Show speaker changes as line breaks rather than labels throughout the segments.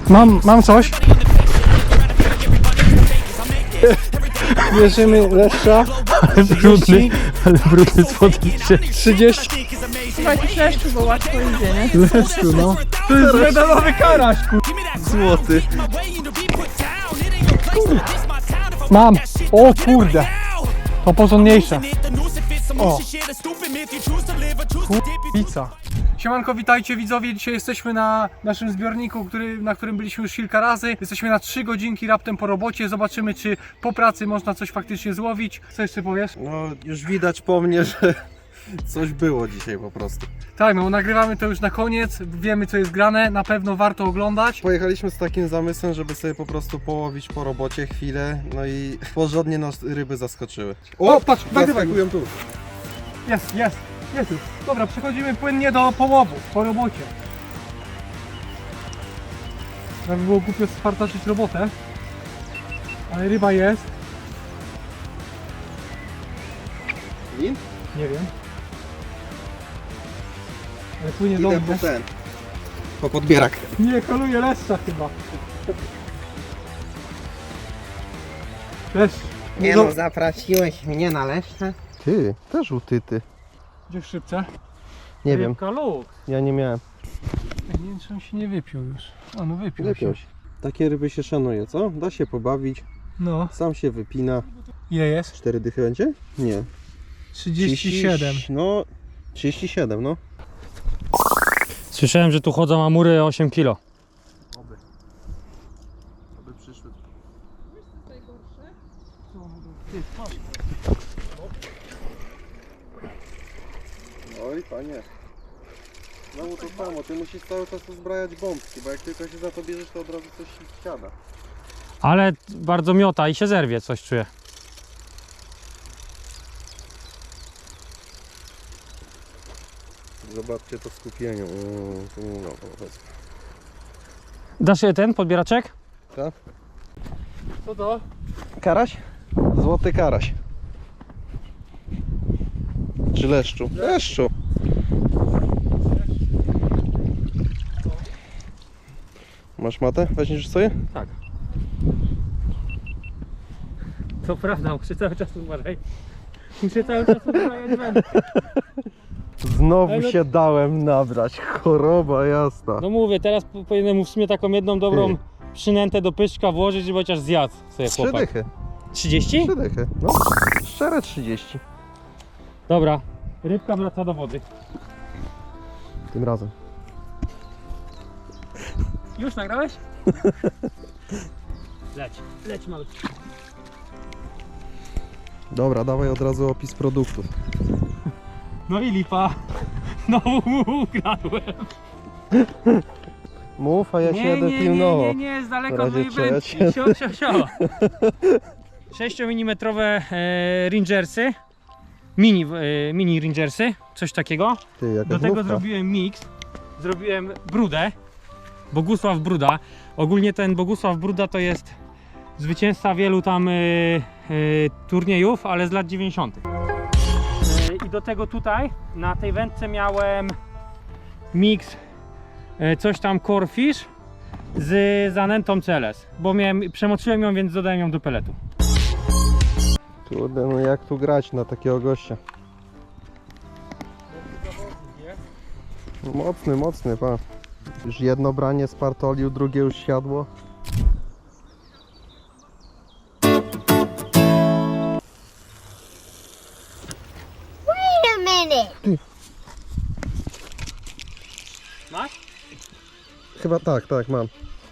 Mam coś. Bierzemy leszcza.
Ale brudny spodnie.
30.
Chyba jakiś leszczu, bo łatwo idzie, nie?
Leszczu, no. To jest medalowy karaś,
Złoty.
Mam. O kurde. To porządniejsze. O. Pizza. Siemanko, witajcie widzowie. Dzisiaj jesteśmy na naszym zbiorniku, na którym byliśmy już kilka razy. Jesteśmy na 3 godzinki raptem po robocie. Zobaczymy, czy po pracy można coś faktycznie złowić. Co jeszcze powiesz?
No już widać po mnie, że coś było dzisiaj po prostu.
Tak, no nagrywamy to już na koniec. Wiemy, co jest grane. Na pewno warto oglądać.
Pojechaliśmy z takim zamysłem, żeby sobie po prostu połowić po robocie chwilę, no i porządnie nas ryby zaskoczyły.
O, patrz, nagrywaj.
zaskakują tu.
Jest już. Dobra, przechodzimy płynnie do połowu, po robocie. Żeby było głupio spartaczyć robotę. Ale ryba jest.
Lin?
Nie wiem. Ale płynie
Idę
dobrze.
po ten. Po podbierak.
Nie, koluje leszcza chyba. Leszcz.
Nie no, zaprosiłeś mnie na leszcze?
Ty, też utyty.
Gdzie w szybce?
Nie wiem,
Rybka luk.
ja nie miałem.
Nie wiem, czy on się nie wypił już. A no wypił
Lepiej.
się.
Takie ryby się szanuje, co? Da się pobawić,
No.
sam się wypina.
Ile jest?
4 dychy będzie? Nie.
37.
No, 37, no.
Słyszałem, że tu chodzą amury 8 kg.
Aby przyszły. Oj, panie. Znowu to samo, ty musisz cały czas uzbrajać bombki, bo jak tylko się za to bierzesz, to od razu coś ci wsiada.
Ale bardzo miota i się zerwie, coś czuję.
Zobaczcie to skupienie. No, powiedz.
Dasz je ten podbieraczek?
Co to?
Karaś? Złoty karaś. Czy leszczu? Leszczu. Masz matę? Weźmiesz sobie?
Tak. To prawda, muszę cały czas uważać. Muszę cały czas uważać wędkę.
Znowu
Ale no-
się dałem nabrać. Choroba jasna.
No mówię, teraz powinienem mu w sumie taką jedną dobrą przynętę do pyszczka włożyć, żeby chociaż zjadł sobie
3
chłopak.
dychy.
30?
3 dychy. No. Szczere 30.
Dobra, rybka wraca do wody.
Tym razem.
Już nagrałeś? Leć malutki.
Dobra, dawaj od razu opis produktów.
No i lipa. Znowu mu ukradłem.
Mów, a ja się jadę pilnował.
nie, z daleka
W
od mojej
razie czego
wędki.
cię-
Sio. 6 mm Rangersy. Mini Rangersy, coś takiego.
Ty, jaka
Do tego
znówka.
zrobiłem mix. Zrobiłem brudę. Bogusław Bruda. Ogólnie ten Bogusław Bruda to jest zwycięzca wielu tam turniejów, ale z lat 90. I do tego tutaj na tej wędce miałem mix coś tam Corefish z zanętą CLS, bo przemoczyłem ją, więc dodałem ją do peletu.
Kurde, no jak tu grać na takiego gościa? Mocny, pa. Już jedno branie spartolił, drugie już siadło.
Wait a minute.
Masz?
Chyba tak, mam.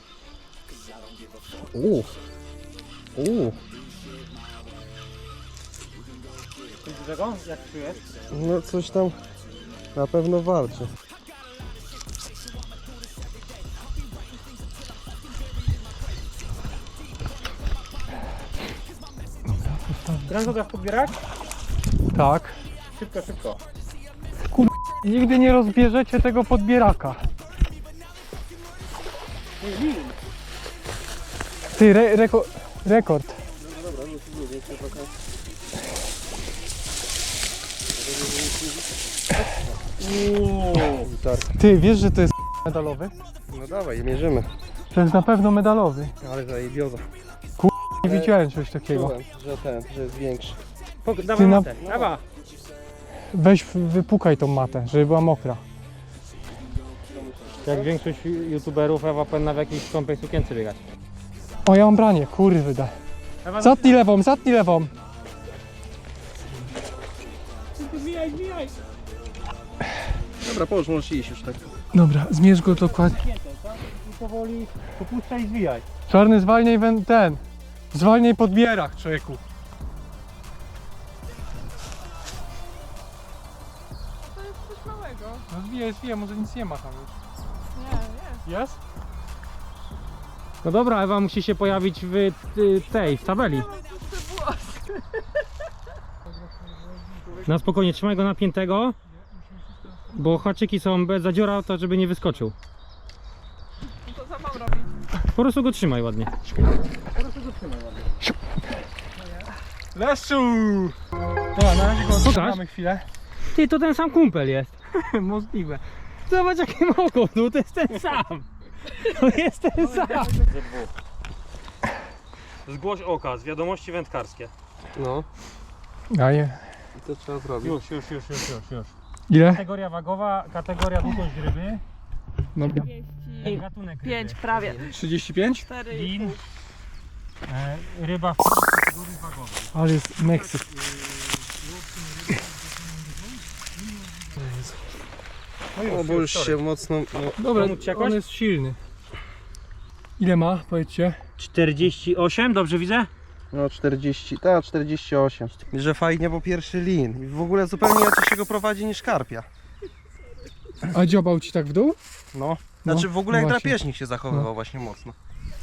Coś dużego? Jak czujesz?
No coś tam na pewno walczy.
Branżoga podbierać?
Tak.
Szybko.
Nigdy nie rozbierzecie tego podbieraka. Ty, rekord. Ty, wiesz, że to jest medalowy?
No dawaj, mierzymy.
To jest na pewno medalowy.
Ale zajebioza.
Nie widziałem czegoś takiego.
Czułem, że jest większy.
Dawaj
na-
matę, dawaj.
Weź wypukaj tą matę, żeby była mokra.
Jak większość youtuberów, Ewa powinna w jakiejś skąpej sukience biegać.
O, ja mam branie, kurde.
Ewa,
Zatnij lewą, zatnij lewą.
Dobra, połóż, możesz iść już tak.
Dobra, zmierz go dokładnie.
I powoli popuszczaj i zwijaj.
Czarny, zwalniaj ten. Zwalniaj pod bierach, człowieku.
To jest coś małego.
No zwijaj, może nic nie ma tam już.
Nie,
Jest?
No dobra, Ewa musi się pojawić w tabeli. Na spokojnie, trzymaj go napiętego, bo haczyki są bez zadziora, to żeby nie wyskoczył.
no to za mam robić.
Po prostu go trzymaj ładnie.
Leszczu! Dobra, na razie go odtrzymamy chwilę.
Ty, to ten sam kumpel jest. Możliwe. Zobacz jakie ma oko, no to jest ten sam. To jest ten sam. Zgłoś oka, z wiadomości wędkarskie.
No,
Daję.
i co trzeba zrobić?
Już.
Ile?
Kategoria wagowa, kategoria długość ryby.
Dobra.
Gatunek
5 prawie.
35?
4
Lin. Ryba w kategorii wagowej.
Ale jest Meksyk.
No bo już się mocno... No,
Dobra,
Pomóc ci jakoś?
on jest silny. Ile ma, powiedzcie?
48, dobrze widzę?
no 40, 48. Że fajnie, bo pierwszy lin. I w ogóle zupełnie inaczej się go prowadzi niż karpia.
A dziobał ci tak w dół?
No, znaczy w ogóle
no
jak
właśnie.
drapieżnik się zachowywał właśnie mocno.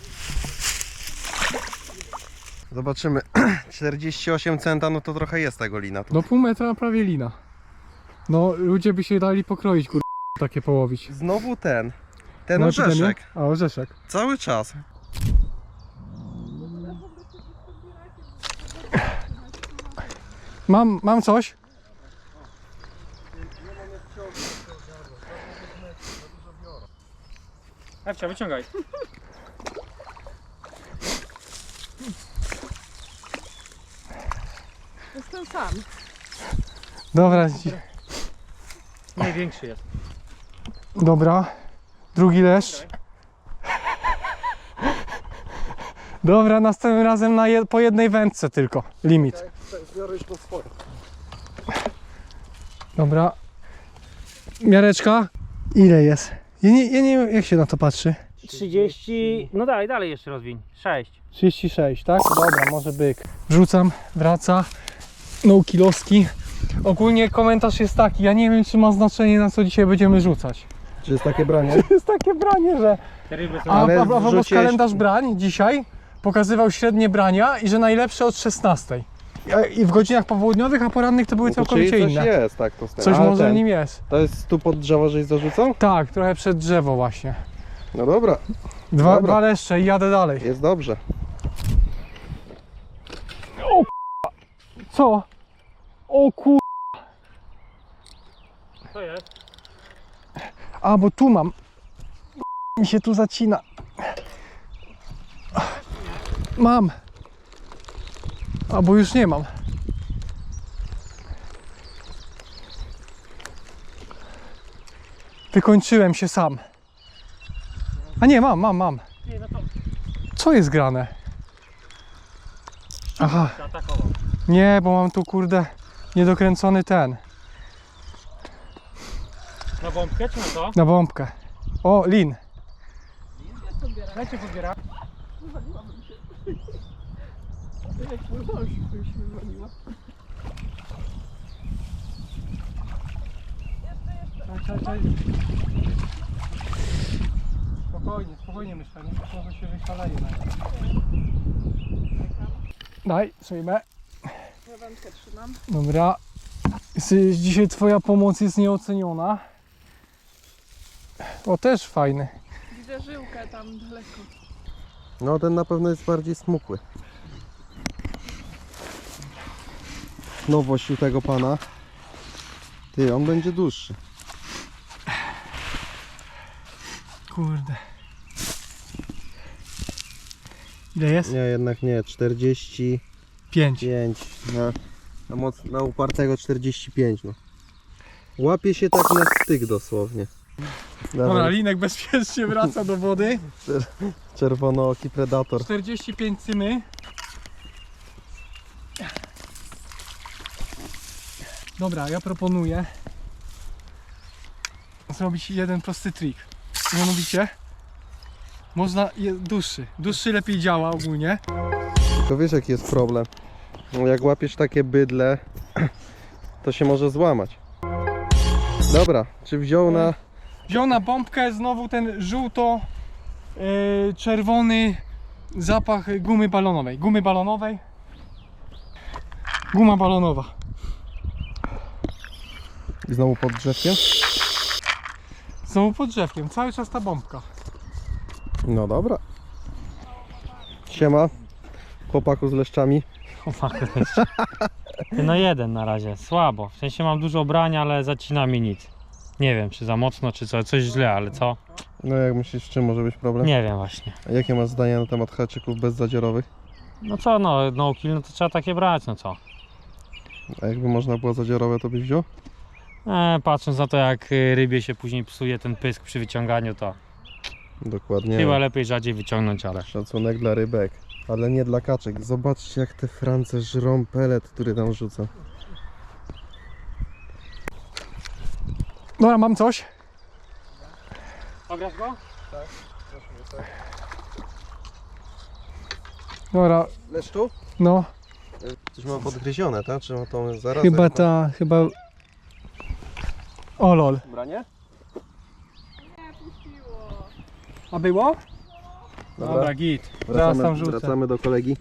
Zobaczymy. 48 centa, no to trochę jest tego lina tu.
Do pół metra prawie lina. No, ludzie by się dali pokroić, takie połowić.
Znowu ten
No,
orzeszek.
A, orzeszek.
Cały czas.
Mam coś?
Ewcia, wyciągaj.
To jest ten sam.
Dobra,
Największy jest.
dobra. Drugi leszcz. Dobra, następnym razem po jednej wędce tylko. Limit.
Biorę już po swoje.
Dobra. Miareczka. Ile jest? Ja nie wiem, jak się na to patrzy.
30, no dalej jeszcze rozwiń. 6.
36, tak? Dobra, może byk. Wrzucam, wraca. No kiloski. Ogólnie komentarz jest taki, ja nie wiem, czy ma znaczenie, na co dzisiaj będziemy rzucać.
Czy jest takie branie?
To jest takie branie, że...
Te ryby są...
Ale
A propos
wrzuciłeś-
kalendarz brań dzisiaj pokazywał średnie brania i że najlepsze od 16. I w godzinach popołudniowych, a porannych to były
No to
całkowicie
czyli coś
inne.
jest, tak to
Coś
Ale
może w
ten,
nim jest.
To jest tu pod drzewo, żeś zarzucał?
Tak, trochę przed drzewo właśnie.
No dobra,
Dwa
Dobra.
leszcze i jadę dalej.
jest dobrze.
Co? O kur...
Co jest?
A, bo tu mam. Mi się tu zacina. Mam. A, bo już nie mam. Wykończyłem się sam. A nie, mam.
Nie, no to
Co jest grane? Aha,
zaatakował.
nie, bo mam tu kurde niedokręcony ten.
Na bombkę czy na to?
Na bombkę. O, lin.
Dajcie podbiera.
Jak mój mąż by się wywaliła.
Czekaj. Spokojnie myślę, może się wyszaleje. Daj, przyjmę.
Ja wędkę trzymam.
Dobra. Dzisiaj twoja pomoc jest nieoceniona. O, też fajny.
Widzę żyłkę tam daleko.
No ten na pewno jest bardziej smukły. Nowość u tego pana. Ty, on będzie dłuższy.
kurde. Ile jest?
Nie, jednak nie, 45,
5.
na upartego 45, no. Łapie się tak na styk dosłownie.
Dobra,
Dawaj,
linek bezpiecznie wraca do wody.
czerwonooki predator.
45 cymy. Dobra, ja proponuję zrobić jeden prosty trik. Mianowicie można dłuższy lepiej działa ogólnie.
Tylko wiesz jaki jest problem? No, jak łapiesz takie bydle, to się może złamać. Dobra, czy wziął na...
Wziął na bombkę znowu ten żółto-czerwony zapach gumy balonowej. Guma balonowa.
I znowu pod drzewkiem?
Znowu pod drzewkiem, cały czas ta bombka.
No dobra. Siema, chłopaku z leszczami.
No jeden na razie, słabo. W sensie mam dużo brania, ale zacina mi nic. Nie wiem, czy za mocno, czy coś źle, ale co?
No jak myślisz, z czym może być problem?
Nie wiem właśnie.
A jakie masz zdanie na temat haczyków bezzadziorowych?
No co, no kill, no to trzeba takie brać, no co?
A jakby można było zadziorowe, to byś wziął?
Patrząc na to, jak rybie się później psuje ten pysk przy wyciąganiu, to
Dokładnie.
chyba lepiej rzadziej wyciągnąć, ale...
Szacunek dla rybek, ale nie dla kaczek. Zobaczcie jak te France żrą pelet, który tam rzuca.
Dobra, mam coś.
Ograsz go?
Dobra,
Leszczu?
no.
Coś mam podgryzione, tak? Czy to zaraz?
Chyba... O lol.
Branie?
Nie, puściło.
A było?
Dobra.
Dobra, git. Zaraz tam rzucę.
Wracamy do kolegi.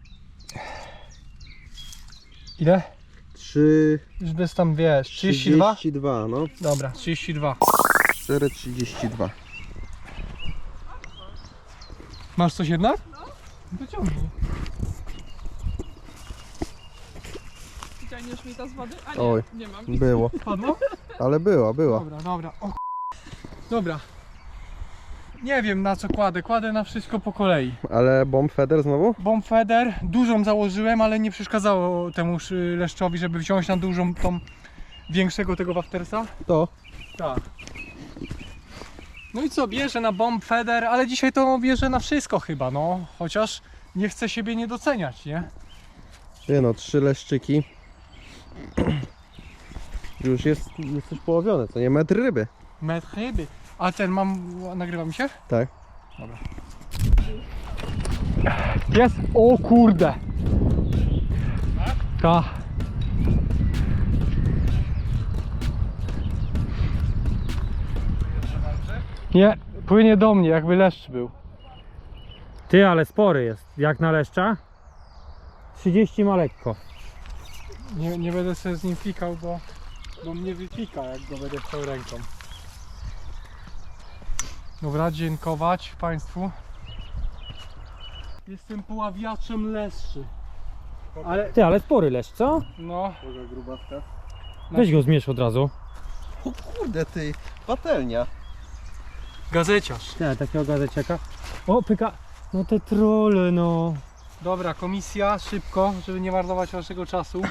Ile?
3...
Już bez tam, wiesz, 32?
32, no.
Dobra, 32.
4,32.
Masz coś jednak? No. Wyciągnij.
Wyciągniesz mi to z wody? A nie,
Oj.
nie mam.
Było,
Padło?
ale była.
Dobra. O, dobra. Nie wiem na co kładę na wszystko po kolei.
Ale bomb feeder znowu?
Bomb feeder, dużą założyłem, ale nie przeszkadzało temu leszczowi, żeby wziąć na dużą tą większego tego waftersa.
To.
Tak. No i co, bierze na bomb feeder, ale dzisiaj to bierze na wszystko chyba, no. Chociaż nie chcę siebie nie doceniać, nie?
Nie no, 3 leszczyki. Już jesteś połowiony, to nie metr ryby.
Metr ryby. A ten nagrywa mi się?
Tak.
Dobra. Jest? O kurde. Tak? Nie, płynie do mnie, jakby leszcz był.
Ty, ale spory jest. Jak na leszcza? 30 ma lekko.
Nie będę sobie z nim fikał, bo mnie wypika, jak go będę chciał ręką. Dobra, dziękować Państwu. Jestem poławiaczem leszczy. Ale,
Ty, ale spory leszcz, co?
no,
Boga grubawka.
Weź go zmierz od razu.
O kurde ty, patelnia.
gazeciarz.
Nie, takiego gazeciaka. O, pyka. No te trolle, no.
Dobra, komisja, szybko, żeby nie marnować waszego czasu.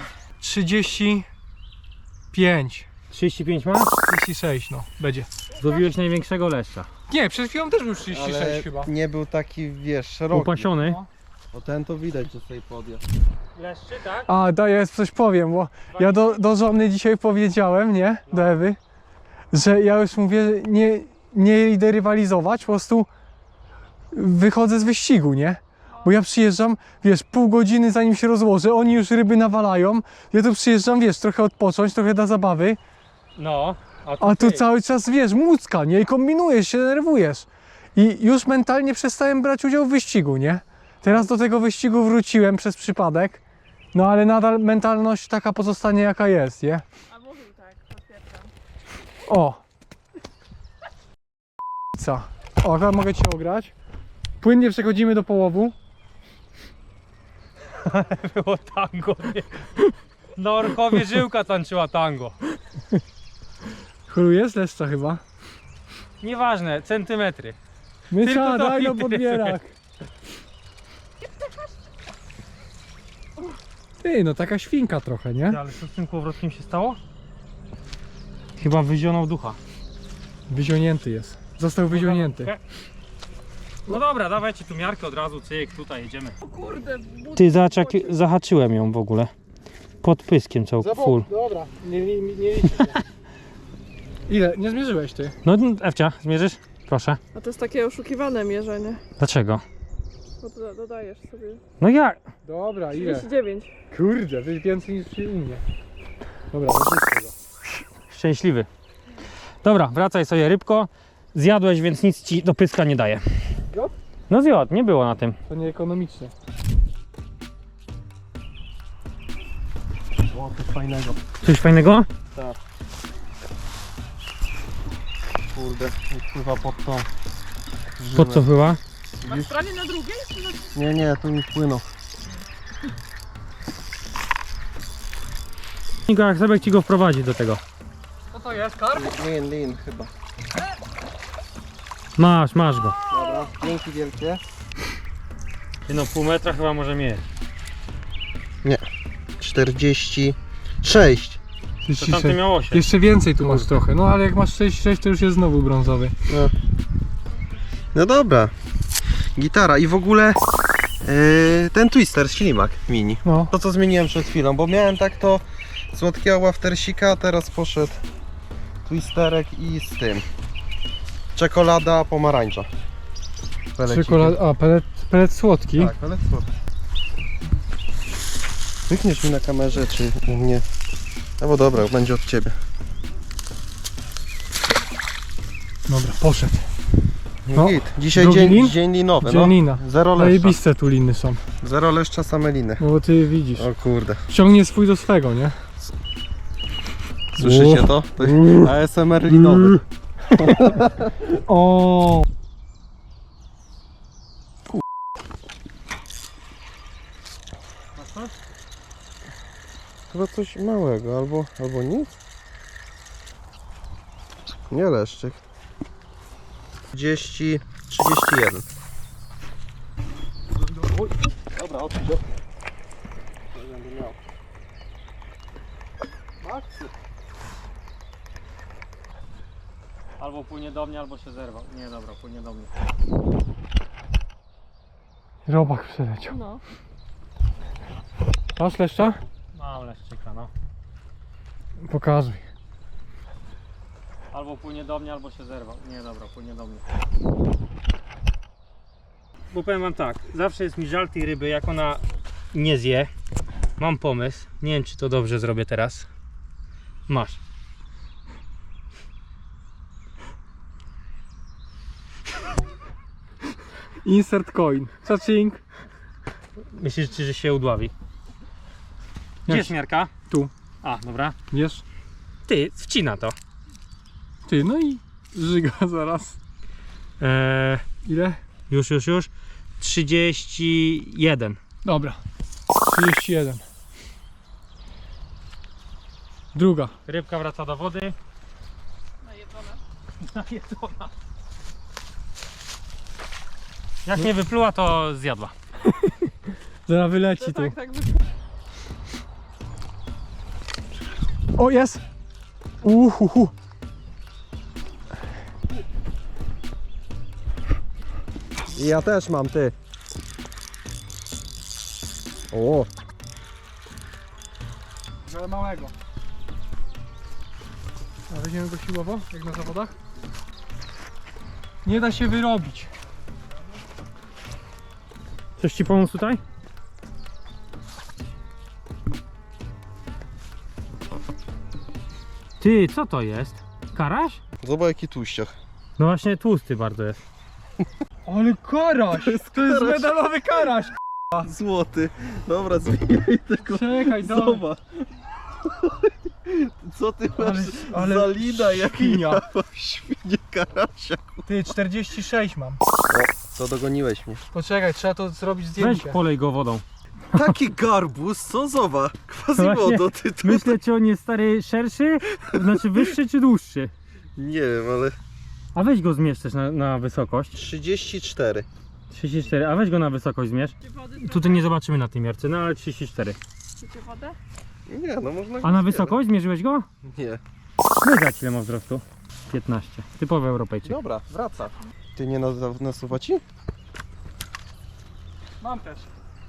35.
35 ma?
36, no, będzie.
Złowiłeś największego leszcza.
Nie, przed chwilą też był 36
Ale
chyba.
nie był taki, wiesz, szeroki.
Upasiony.
No.
O ten to widać, że sobie podjazd.
Leszczy, tak?
A, ja coś powiem, bo ja do żony dzisiaj powiedziałem, nie, do Ewy, że ja już mówię, nie idę rywalizować, po prostu wychodzę z wyścigu, nie? Bo ja przyjeżdżam, wiesz, pół godziny zanim się rozłożę, oni już ryby nawalają, ja tu przyjeżdżam, wiesz, trochę odpocząć, trochę dla zabawy,
No.
a tu cały czas, wiesz, mucka, nie? I kombinujesz, się denerwujesz. I już mentalnie przestałem brać udział w wyścigu, nie? Teraz do tego wyścigu wróciłem przez przypadek, no ale nadal mentalność taka pozostanie jaka jest, nie?
A mówił tak, potwierdzam.
O! Co? O, akurat mogę Cię ograć. Płynnie przechodzimy do połowu.
Było tango. Nie. Na Orchowie żyłka tańczyła tango.
Choruje z leszcza chyba.
Nieważne, centymetry.
Mysza,
to
daj no
interesuje.
podbierak. Ty, no taka świnka trochę, nie?
Ale co z tym kołowrotkiem się stało? Chyba wyzionął ducha.
Wyzionięty jest. Został wyzionięty.
No dobra, dawajcie tu miarkę od razu, cyk, tutaj jedziemy.
O kurde, but...
Ty, zobacz jak zahaczyłem ją w ogóle. Pod pyskiem full.
Dobra, nie liczy się. Ile? Nie zmierzyłeś ty?
No Ewcia, zmierzysz? Proszę.
A to jest takie oszukiwane mierzenie.
Dlaczego?
Bo dodajesz sobie.
No jak?
Dobra, ile?
39.
Kurde, to jest więcej niż u mnie. Dobra, zarzucę go.
Szczęśliwy. Dobra, wracaj sobie rybko. Zjadłeś, więc nic ci do pyska nie daje.
Zjadł?
No zjadł, nie było na tym.
To nieekonomiczne.
O, coś fajnego.
Coś fajnego?
Kurde, pływa pod tą.
Pod co była?
Na stronie na drugiej? Czy na...
Nie, tu mi wpłynął.
Niko, jak sobie ci go wprowadzi do tego.
Co to jest, karp?
Lin chyba.
Masz go.
Dobra, dzięki wielkie.
No pół metra chyba może mieć.
46.
To tamty miał 8.
Jeszcze więcej tu masz trochę, no ale jak masz 6,6 to już jest znowu brązowy.
No dobra. Gitara i w ogóle ten twister, ślimak mini.
No.
To co zmieniłem przed chwilą, bo miałem tak to słodkiego waftersika, a teraz poszedł twisterek i z tym. Czekolada pomarańcza. Pelecikiem.
Czekolada, a pelet słodki.
Tak, ale słodki. Wykniesz mi na kamerze, czy u mnie? No bo dobra, będzie od ciebie.
Dobra, poszedł.
No.
No.
Git. Dzisiaj
Drugi
dzień,
lin?
dzień linowy.
Dzień lina.
No. Zero leszcza.
Zajebiste tu liny są.
Zero leszcza, same liny.
No bo ty widzisz.
O kurde.
Ciągnie swój do swego, nie?
Słyszycie to? To ASMR linowy.
O.
Chyba coś małego, albo nic? Nie leszczyk. 31. Dobra, odpuść. Będę miał.
Albo płynie do mnie, albo się zerwał. Nie, dobra, płynie do mnie.
Robak przeleciał.
No.
Masz leszcza?
Mam leszczyka, no.
Pokazuj.
Albo płynie do mnie, albo się zerwał. Nie, dobra, płynie do mnie. Bo powiem wam tak, zawsze jest mi żal tej ryby, jak ona nie zje. Mam pomysł, nie wiem czy to dobrze zrobię teraz. Masz.
Insert coin. Czacing.
Myślisz, że się udławi? Gdzie jest miarka?
Tu.
A, dobra.
Wiesz?
Ty, wcina to.
Ty, no i żyga zaraz. Ile?
Już. 31.
Dobra. 31. Druga.
Rybka wraca do wody.
Najedzone.
Najedzona. Jak nie wypluła, to zjadła.
Zaraz wyleci
No
tu.
tak.
O, jest! Uhuhu.
Ja też mam, ty. O,
Ale małego. A weźmiemy go siłowo, jak na zawodach? Nie da się wyrobić.
Coś ci pomóc tutaj? Ty, co to jest? Karaś?
zobacz jaki tłuściach.
No właśnie tłusty bardzo jest.
Ale karaś! To jest medalowy karaś!
Złoty. Dobra, zmieniaj tego.
Czekaj,
Zobacz. Co ty masz za lina
świnia.
jak ja świnie karasia.
Ty, 46 mam.
To dogoniłeś mnie.
Poczekaj, trzeba to zrobić
Weź
zdjęcie.
polej go wodą.
Taki garbus, co zobacz? Quasimodo, ty to...
Myślę, czy on jest stary szerszy, znaczy wyższy czy dłuższy.
Nie wiem, ale...
A weź go zmierz też na wysokość.
34.
34, a weź go na wysokość zmierz.
Chcecie wody?
Tutaj nie zobaczymy na tej miarce, no ale 34.
Chcecie wodę?
Nie, no można...
A na wysokość zmierzyłeś go?
Nie.
Wygrać ile ma wzrostu? 15. Typowy Europejczyk.
Dobra, wraca. Ty nie nasuwa ci?
Mam też.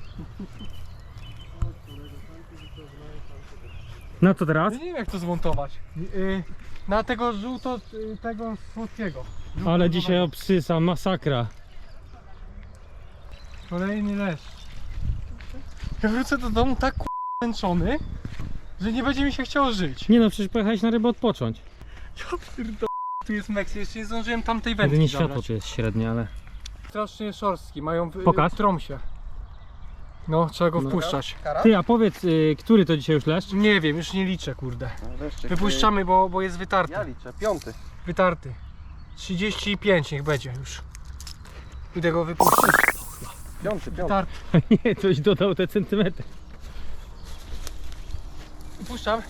No co teraz?
Ja nie wiem jak to zmontować. Na tego tego słodkiego.
Ale dzisiaj obsysa, masakra.
Kolejny leszcz. Ja wrócę do domu tak zmęczony, że nie będzie mi się chciało żyć.
Nie no, przecież pojechałeś na rybę odpocząć.
Ja pierdolę, tu jest Meksyk, jeszcze nie zdążyłem tamtej wędki
Jedynie światło
zabrać.
tu jest średnie, ale...
Strasznie szorstki, mają
Pokaż.
w trąsie. No, trzeba go wpuszczać.
Ty, a powiedz, który to dzisiaj już leszcz?
Nie wiem, już nie liczę, kurde. Wypuszczamy, bo jest wytarty.
Ja liczę, 5.
Wytarty. 35 niech będzie już. Idę go wypuścić.
5.
Wytarty.
Nie, coś dodał te centymetry.
Wypuszczam.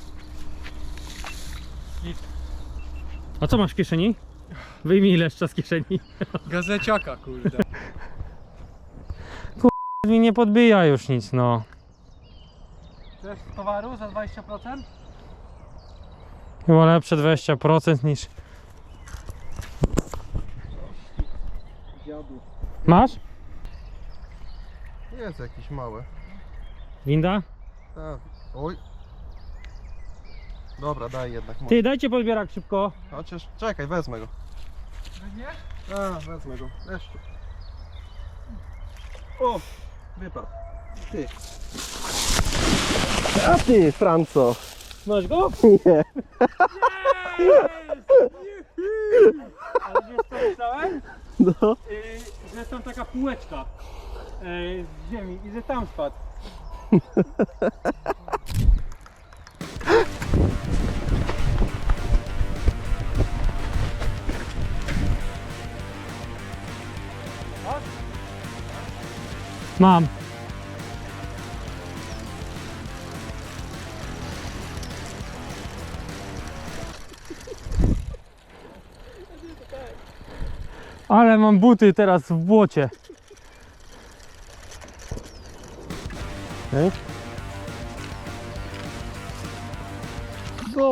A co masz w kieszeni? Wyjmij leszcza z kieszeni.
Gazeciaka, kurde.
Mi nie podbija już nic, no.
Chcesz towaru za 20%?
Chyba lepsze 20% niż... Masz?
Jest jakiś mały.
Winda?
Tak. Oj. Dobra, daj jednak.
Ty, dajcie podbierak szybko.
Chociaż, czekaj, wezmę go.
Weźmiesz?
A, wezmę go. Leszczu. O, wypadł. Ty. A ty, Franco.
Masz go?
Nie.
Ale wiesz co myślałem?
No.
Że jest tam taka półeczka z ziemi i że tam spadł. Mam. Ale mam buty teraz w błocie.
Okej. No.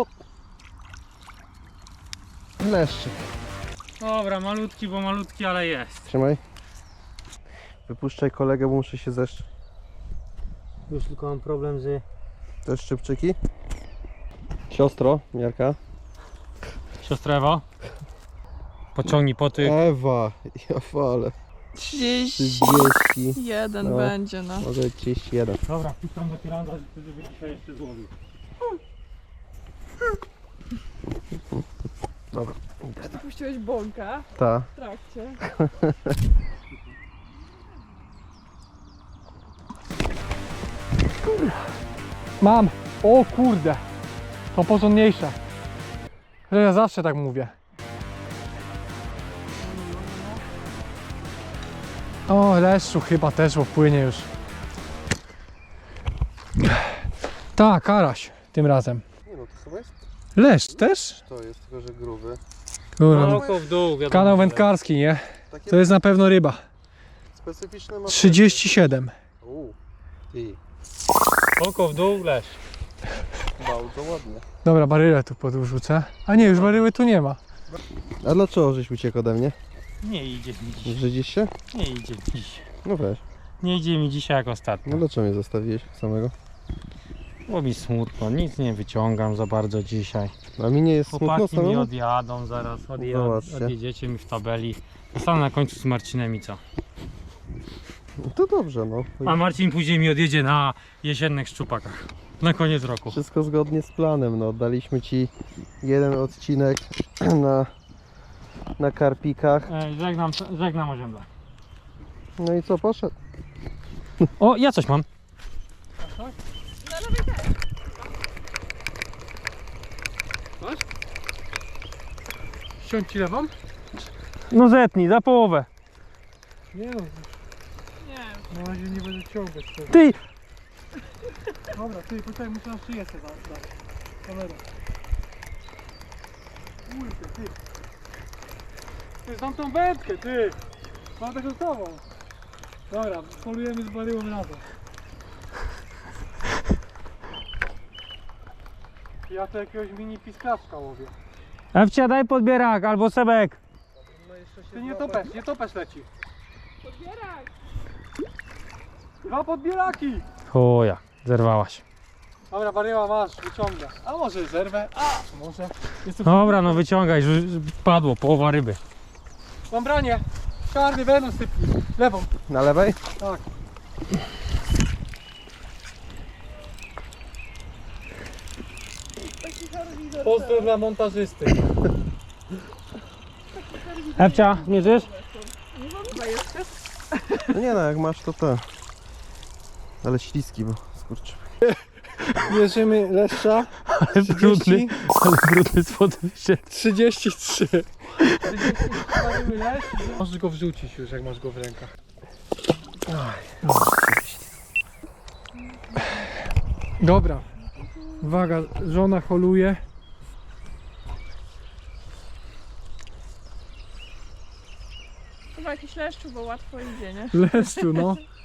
Leszczyk.
Dobra, malutki, bo malutki, ale jest.
Trzymaj. Wypuszczaj kolegę, bo muszę się zeszczyć.
Już tylko mam problem z...
Te szczypczyki. Siostro, Jarka.
Siostra Ewa. Pociągnij poty.
Ewa, ja falę.
30.
31,
No. Będzie, no.
może 31.
Dobra, puszczam do piranda, żeby dzisiaj jeszcze złowił.
Dobra.
Ty puściłeś bąka
Ta.
w trakcie.
Mam! O kurde! To porządniejsze. Że ja zawsze tak mówię. O, leszczu chyba też, bo płynie już. Tak, karaś tym razem.
Nie no, to sobie jest?
Leszcz też?
To jest tylko, że gruby.
Kurwa,
Oko w dół, wiadomo.
kanał wędkarski, nie?
Takie
To jest na pewno ryba.
specyficzne ma.
37.
Ty,
Oko w dół, leszcz.
bardzo ładnie.
Dobra, barylę tu podrzucę. A nie, już baryły tu nie ma.
A dlaczego żeś uciekł ode mnie?
Nie idzie mi dziś.
Brzydzisz się?
Nie idzie mi dziś.
No weź.
Nie idzie mi dzisiaj jak ostatnio.
No dlaczego mnie zostawiłeś samego?
Bo mi smutno, nic nie wyciągam za bardzo dzisiaj.
A mi nie jest smutno
Chłopaki mi
samemu?
odjadą zaraz,
Zobaczcie.
odjedziecie mi w tabeli. Zostanę na końcu z Marcinem i co?
No to dobrze, no.
A Marcin później mi odjedzie na jesiennych szczupakach. Na koniec roku.
Wszystko zgodnie z planem, no. Daliśmy ci jeden odcinek na karpikach.
Żegnam oziębla.
No i co, poszedł?
O, ja coś mam.
Ściąć ci lewą?
No zetnij, za połowę.
Nie no,
Nie.
na razie nie będę ciągać tego.
Ty!
Dobra, ty, poczekaj, muszę na szyję sobie dać. Kamera. Kurde, ty. Ty, znam tą wędkę, ty! Mam taką gotową. Dobra, polujemy z baryłą razem. Ja to jakiegoś mini pisklaczka łowię.
Ewcia, daj podbierak albo Sebek.
Ty nie topesz leci.
Podbierak!
2 podbieraki!
Chuja, zerwałaś.
Dobra, baryła masz, wyciąga. A może zerwę? A może. Jest to...
Dobra, no wyciągaj, padło, połowa ryby.
Mam branie. Czarny wenos sypnij. Lewą.
Na lewej?
Tak. Pozdro dla montażysty.
Ewcia, zmierzysz?
Nie mam chyba jeszcze.
No nie no, jak masz to te. Ale śliski, bo skurczy.
Mierzymy leszcza.
Ale brudny spod wyszedł.
33. Możesz go wrzucić już, jak masz go w rękach. Dobra. Uwaga, żona holuje.
Chyba jakiś leszczu, bo łatwo idzie, nie?
Leszczu, no.